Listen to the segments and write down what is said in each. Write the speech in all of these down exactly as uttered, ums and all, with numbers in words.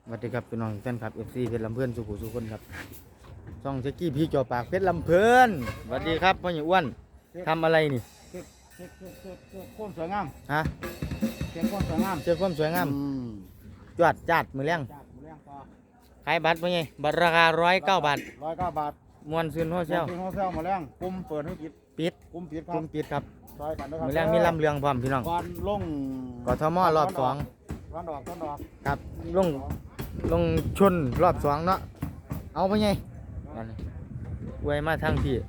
สวัสดีครับพี่น้องแฟนคลับเอฟซีเพชรลำเพื่อนสุขุสุคนครับช่องเจ๊กี้พี่จ่อปากเพชรลำเพื่อนสวัสดีครับพ่อใหญ่อ้วนทำอะไรนี่เค้กเค้กเค้กเค้กเค้กโค้มสวยงามฮะเค้กโค้มสวยงามเจอความสวยงามจวดจัดมือเลี้ยงจากหมูเลี้ยงต่อขายบัตรพ่อใหญ่บัตรราคาร้อยเก้าบาทร้อยเก้าบาทมวนซื้อโฮเซลเป็นโฮเซลหมูเลี้ยงปุ่มเปิดให้ปิดปิดปุ่มปิดครัคุบมปิดครับซอยกันด้วยครับมือเลี้ยงมีลำเรืองพร้อมพี่น้องก่อนลงกทมรอบสองร้อนดอกร้อนดอกครับลงลงชนรอบสองเนาะเอาพ่อใหญ่นั่นอวยมาทางพี่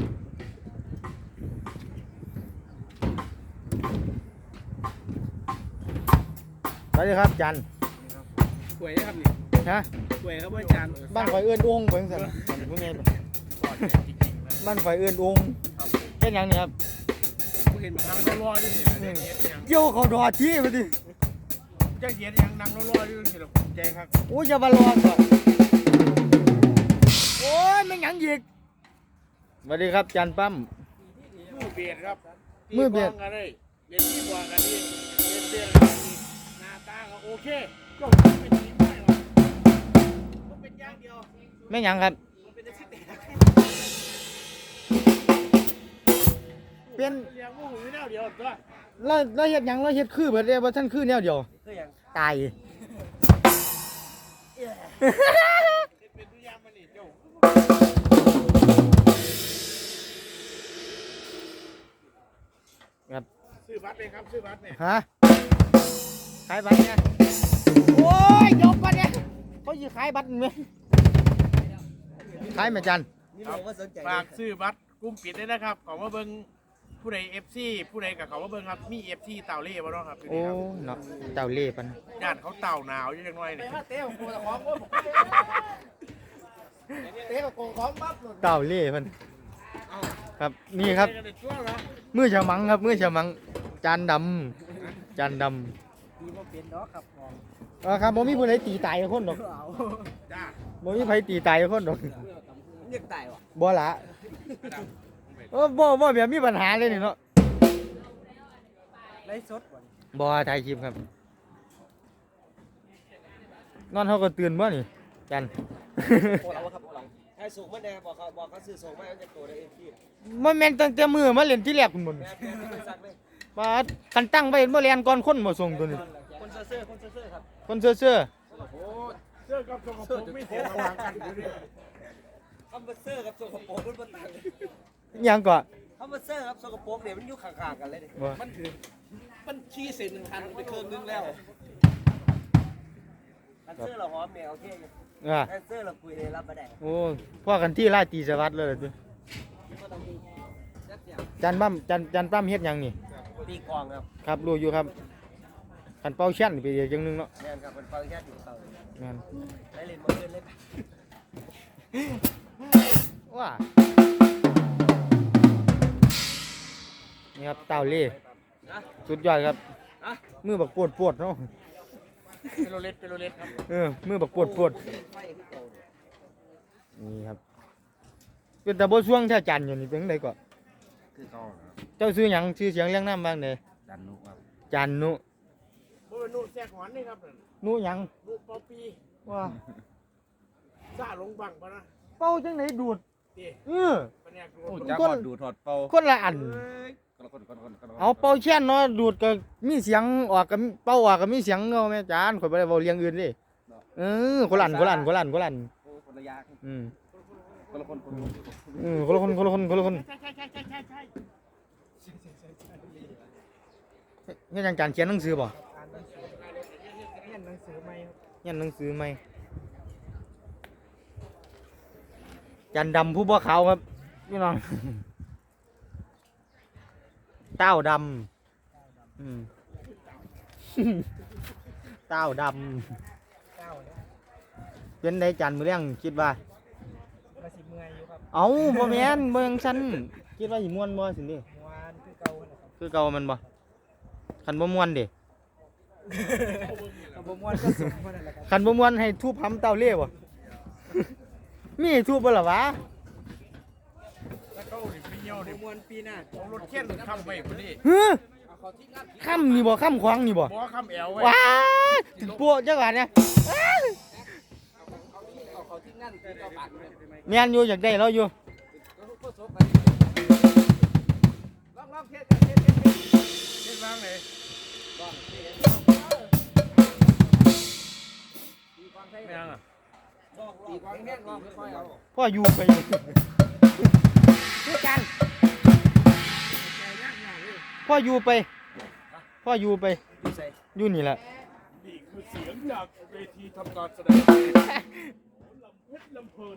สวัสดีครับจันหวยครับนี่ฮะหวยครับอาจารย์บ้านไฟเอื้อนองค์เบิ่งสั่นผู้ใหญ่บ้านไฟเอื้อนองค์เป็นหยังนี่ครับเห็นนางรอๆด้วยนี่เกี่ยวเขาดอที่มาดิจะเห็นยังนางรอๆด้วยนี่หรอกใจครับโอ้ยอย่ามารอก่อนโอ้ยไม่หยังอีกสวัสดีครับจันปั้มมือเบียดครับมือเบียดตีกลงกันเลยเบียดที่บวกกันนี่เบียดเบียดกันนี่หน้าตาก็โอเคก็เป็นทีมได้หรอกมันเป็นอย่างเดียวไม่หยังครับมันเป็นที่แตกเป็นเลี้ยงหมูอยู่แนวเดียวตัวเราเราเฮ็ดหยังเราเฮ็ดคือเบิดเลยว่าท่านคือแนวเดียวคืออย่างตายเป็นตัวอย่างมันนี่เจ้าครับซื้อบัตรเลยครับซื้อบัตรเนี่ยฮะขายบัตรเนี่ยโอ้ยยกบัตรเนี่ยเขาสิขายบัตรไหมขายไหมจันฝากซื้อบัตรกลุ่มปิดด้วยนะครับของว่าเบิ้งผู้ใดเอฟซีผู้ใดกับเขาว่าเบิ้งครับมีเอฟซีเต่าเล่บ่เนาะครับโอ้เนาะเจ้าเล่ปันญาติเขาเต่าหนาวอยู่จังหน่อยนี่เตะกูตะของกูเตะกับกูของปั๊บหลุดเจ้าเล่ปันครับนี่ครับเด็กช่วงเหรอมือฉมังครับมือฉมังจานดำจานดดีว่าเป็นดอกครับของำเออครับบ่มีผู้ใดตีตายคนดอกเอาจ้าบ่มีไผตีตายคนดอกเรียกตายวะบ่ละเออบ่บ่แบบมีปัญหาเลยนี่เนาะไล่สดวะบ่ถ่ายคลิปครับนอนเขาก็ตื่นบ่นี่จันโอ้เราครับโอ้เราให้สูงมาแน่บอกเขาบอกเขาซื้อส่งมาเอาจากตัวได้เองพี่มันแม่นตั้งแต่มือมาเล่นที่แรกพุ่นบ่แม่แม่ไม่สั่งเลยว่าคันตั้งไว้บ่แล่นก่อนคนบ่ส่งตัวนี้คนเซ่อคนเซ่อครับคนเซื่อโอ้เสื้อกับสกปรกไม่เสียระหว่างกันอยู่ดิคำว่าเซ่อครับสกปรกมันบ่ต่างๆหยังก็คำว่าเซ่อครับสกปรกเนี่ยมันอยู่ข้างๆกันเลยบ่มันคือมันขี้เศษหนึ่งพันไปเครื่องนึงแล้วคันเซ่อเราหอมเนี่ยโอเคอยู่เออคันเซ่อเราคุยเลยรับบ่ได้โอ้พ่อกันที่ราชตีสวัสดิ์เลยติจันปั้มจันจันปั้มเฮ็ดหยังนี่ตีกองครับครับรู้อยู่ครับคันเป่าแช่นไปอีกอย่างหนึงเนาะแม่นครับเป็นเป่าแค่อยู่เป่าแม่นได้เล่นบ่เล่นเลยว้านี่ครับเต่าเล่นะสุดยอดครับนะมือบักปวดปวดเนาะเป็นโรเล็ตเป็นโรเล็ตครับเออมือบักปวดปวดไฟคือเก่านี่ครับเป็นตาบ่ช่วงแท้จันอยู่นี่เป็นไดก็คือเก่าเจ้าซื้อหยังชื่อเสียงเรียงนามบ้างเด้ดันนุครับจันนุบ่เป็นนุ่นแทรกหวานนี่ครับนุหยังนุ่นเปาปีว่าซ่าลงบังปะนะเป่าจังไหนดูดตีเออปะเนี่ยดูโอ้คนจ้าพอดูถอดเป่าคนละอันคนละคนคนละคนคนละคนเอาเป่าแช่นเนาะดูดก็มีเสียงออกก็เป่าออกก็มีเสียงเนาะแม่จานข่อยบ่ได้เว้าเรื่องอื่นเด้เออคนละอันคนละอันคนละอันคนละอันโอ้คนละอยางอืมคนละคนคนละคนอืมคนละคนคนละคนคนละคนใช่ใช่ใช่ใช่ใช่ใช่เฮ็ดหยังจานเขียนหนังสือบ่เรียนหนังสือใหม่ครับเขียนหนังสือใหม่จันดำผู้บ่ขาวครับพี่น้อง เต้าดำอืม เต้าดเก้าเนี่ยำเป็นไดจันมื้อแรงคิดว่ามาสิเมื่อยอยู่ครับเอ้าบ่แม่นบ่ยังซั่นคิดว่าสิม่วนบ่สินี่มวนคือเก่านะครับคือเก่ามันบ่คันบ่ม่วนเด้บ่มวนก็สมมันนั่นแหละครับคันบ่ม่วนให้ทุบหำเต้าเล่บ่ มีให้ทุบบ่ล่ะวะแล้วก็ดิพี่เหี่ยวดิบ่มวนปีหน้าเอารถเข็นคำไปพอดีฮึค่ำนี่บ่ค่ำขวางนี่บ่บ่คำแอวไว้ว้าถึงปัวจังหวะเนี่ยเขาที่นั่นที่เราปากเลยแม่นอยู่อยากได้เราอยู่ลองลองเทสเทสเทสเทสเล่นบ้างเลยตีความใช่ไม่ยังอ่ะตีความแน่นลองค่อยๆเอาพ่ออยู่ไปคือกันพ่ออยู่ไปพ่ออยู่ไปดีใส่อยู่นี่แหละนี่คือเสียงจากเวทีทำการแสดงลำเพชรลำเพลิน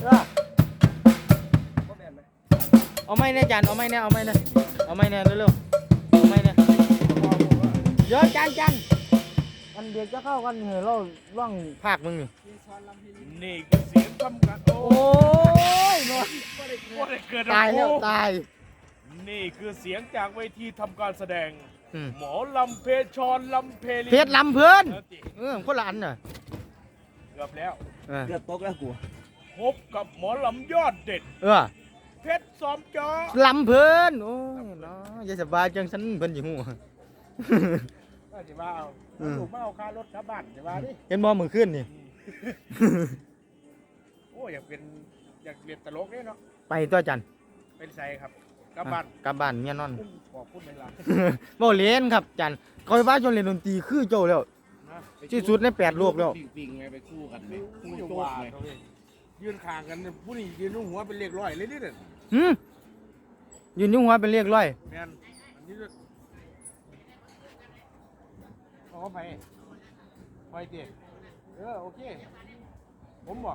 ก็แม่นไหมเอาไม้เนี่ยจานเอาไม้เนี่ยเอาไม้เนี่ยเอาไม้เนี่ยเร็วๆเอาไม้เนี่ยเดี๋ยวจานจานอันเดียวจะเข้ากันเหรอเราล่องภาคมึงนี่นี่คือเสียงทำการโอ้โอ้ยนอนว่าได้เกิดตายแล้วตายนี่คือเสียงจากเวทีทำการแสดงอืมหมอลำเพชรลำเพลินเพชรลำเพื่อนเออติเออคนละอันน่ะเกือบแล้วเออเกือบตกแล้วกูพบกับหมอลำยอดเด็ดเออเพชรซ้อมจอลำเพื่อนโอ้ยเนาะอย่าสบายจังฉันเพิ่นอยู่หูว่าจะว่าเอาอืมลูกมาเอาค่ารถกลับบ้านจะว่าดิเห็นบ่มือขึ้นนี่โอ้อยากเป็นอยากเรียนตลกเนี่ยเนาะไปตัวจันเป็นไซครับกลับบ้านกลับบ้านเมียนอนอุ้มขอพูดเวลาบ่เล่นครับจันคอยว่าจนเล่นดนตรีคือเจ้าแล้วนะที่สุดในแปดโลกแล้วปิงๆไงไปคู่กันไหมคู่อยู่โจ๊กว่าไงเขาเลยยืนข้างกันเนี่ยผู้นี้ยืนนุ่งหัวเป็นเลขร้อยเลยนี่เนี่ยหืมยืนยุ่งหัวเป็นเรียกร้อยแมนอันนี้ด้วยเอาเข้าไปไปเจ๊เออโอเคผมบอก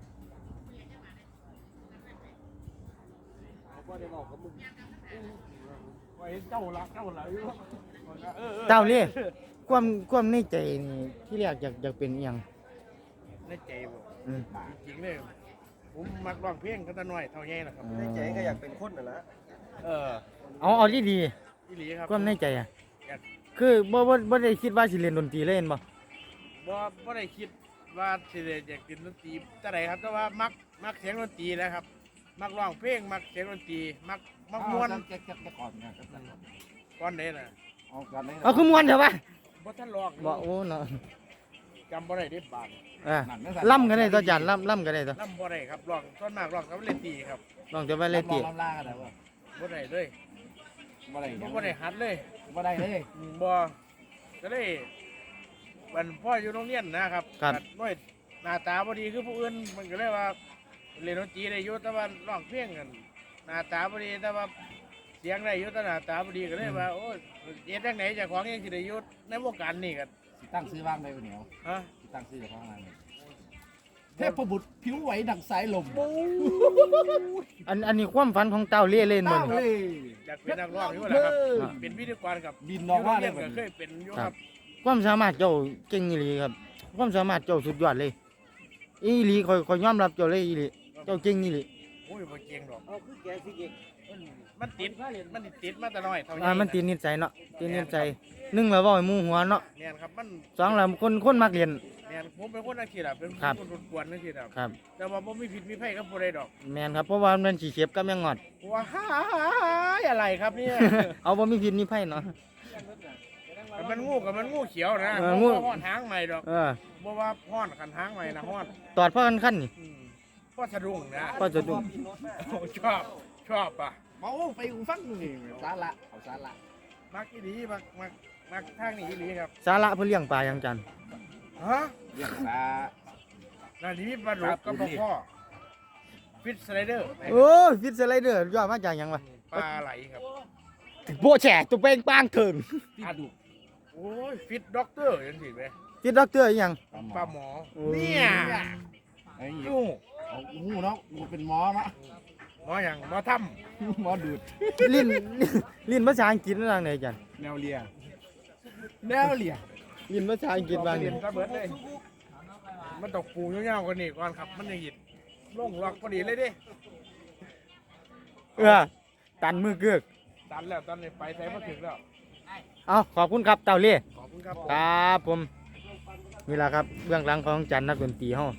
เขาก็ได้บอกกับมึงไว้เจ้าละเจ้าละอยู่ออออเจ้าเล่ความความในใจนี่ที่แรกอยากอยากเป็นอีหยังในใจบอกอืมจริงเลยผมมักร้องเพลงกันแต่น้อยเท่าไงนะครับในใจก็อยากเป็นคนน่ะนะเออเอาเอาดีดีพี่หลีครับๆความในใจอ่ะอยากคือบ่บ่บ่ได้คิดว่าสิเล่นดนตรีเล่นบ่บ่บ่ได้คิดว่าสิได้อยากเป็นดนตรีแต่ใดครับแต่ว่ามักมักเสียงดนตรีนะครับ มักร้องเพลงมักเสียงดนตรีมักมักม่วนเก็บเก็บเก็บก่อนนะเก็บก่อนก่อนเด้น่ะเอากันเลยเอาคือม่วนเถอะวะบ่ทันร้องบ่โอ้เนาะจำบ่ได้เด้บาดเออล่ำกันได้ตัวจันล่ำล่ำกันได้ตัวนำบ่ได้ครับร้องส่วนมากร้องกับเล่นตรีครับลองจะไปเล่นตีลำล่ากันแล้วบ่ได้เลยบ่ได้บ่ได้หัดเลยบ่ได้เลยอืมบ่ก็เลยวันพ่ออยู่โรงเรียนนะครับน้อยหน้าตาบ่ดีคือผู้อื่นมันก็เลยว่าเล่นดนตรีได้อยู่แต่ว่าร้องเพลงกันหน้าตาบ่ดีแต่ว่าเสียงได้อยู่แต่หน้าตาบ่ดีก็เลยว่าโอ้ยเฮ็ดจังไหนเจ้าของยังสิได้อยู่ในวงการนี่กันสิตั้งซื้อบ้างได้บ่เหนียวฮะสิตั้งซื้อของอะไรเทพบุตรผิวไหวดังสายลมอันอันนี้ความฝันของเต้าเล่เล่นบ่ตั้งนี่เลยอยากเป็นนักร้องอยู่แหละครับ เป็นพิธีกรกับบินน้องว่าได้เรียนบ่ก็เคยเป็นอยู่ครับความสามารถเจ้าเก่งอีหลีครับ ความสามารถเจ้าสุดยอดเลยอีหลีคอยคอยยอมรับเจ้าเลยอีหลีเจ้าเก่งอีหลีโอ้ยบ่เก่งดอกเอาคือแกสิเก่งมันติดมันติดมาแต่น้อยเท่านี้อ่ามันตีนิสัยเนาะตีนิสัยหนึ่งแล้วเว้าให้หมู่หัวเนาะเนี่ยครับมันสองแล้วคนคนมักเรียนเนี่ยผมเป็นคนนักขี่แบบเป็นครับคนกวนนักขี่แบบครับแต่ว่าผมมีผิดมีไผกับผู้ใดดอกแม่นครับเพราะว่ามันสิเข็บกับแมงงอดว้ายอะไรครับเนี่ยเอาบ่มีพิษมีภัยเนาะแต่มันงูกับมันงูเขียวนะเออบ่งูว่าห้อนหางใหม่ดอกเออบ่ว่าห้อนขันหางใหม่นะห้อนตอดพ่อกันขั้นนี่อืมพ่อสะดุ้งนะพ่อจะดุโอ้ชอบชอบป่ะเอาไปอูฟังนี่สาระเอาสาระมักอีหลีมักมักมักทางนี้อีหลีครับสาระเพื่อเลี้ยงปลาอย่างจันฮะเรื่องสานาทีมีปลาดุกกับปลาพ่อฟิตสไลเดอร์โอ้ยฟิตสไลเดอร์ยอดมาจากหยังวะปลาไหลครับโบแฉตัวเป้งปางถึงที่ดุโอ้ยฟิตด็อกเตอร์ยังสิไหมฟิตด็อกเตอร์อีหยังปลาหมอโอ้เนี่ยไอ้ยูเอาหูเนาะกูเป็นหมอเนาะหมออย่างหมอทหมอดูดลิ้นลิ้นภาษาอังกฤษนั่นไหนจันแนวเลียแนวเลียลิ้นภาษาอังำกฤษบางเรีนี่ยนซะเบิดเลยมันตกปูยาวๆกว่านี้ก่อนครับ มันยังหยิดลงล็อกพอดีเลยเดิเออตันมือเกือกตันแล้วตันนี้ไปใส่มาถึงแล้วเอาขอบคุณครับเต่าเล่ขอบคุณครับผมครับผมนี่แหละครับเบื้องหลังของจันนักดนตรีเฮา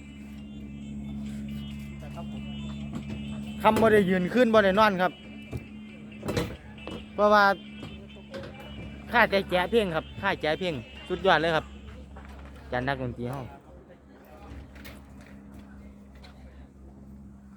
คำบ่ได้ยืนขึ้นบ่ได้นอนครับ เพราะว่าค่าใจแจ๋เพียงครับค่าแจ๋เพียงสุดยอดเลยครับจันนักดนตรีเฮา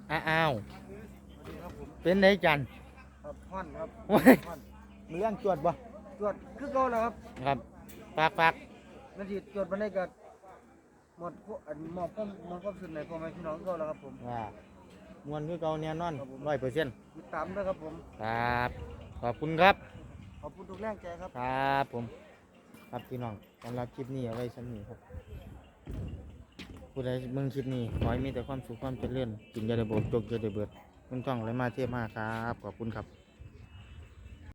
อ้าวเป็นไงจันครับพ่อนครับโอ้ยมีเรื่องจวดบ่ตรวจคือเก่าแล้วครับครับฝากฝากนาทีตรวจวันนี้ก็หมดอันหมอบก็หมอบก็สุดในพ่อแม่พี่น้องเก่าแล้วครับผมว่ามวนคือเก่าแน่นอนร้อยเปอร์เซ็นต์ติดตามด้วยครับผมครับขอบคุณครับขอบคุณทุกแรงใจครับครับผมครับพี่น้องสำหรับคลิปนี้เอาไว้ชั้นนี้ครับผู้ใดเบิ่งคลิปนี้ขอให้มีแต่ความสุขความเจริญกินอยาได้โบกจกอยาได้เบิดมึงต้องอะไรมาเทียบมาครับขอบคุณครับ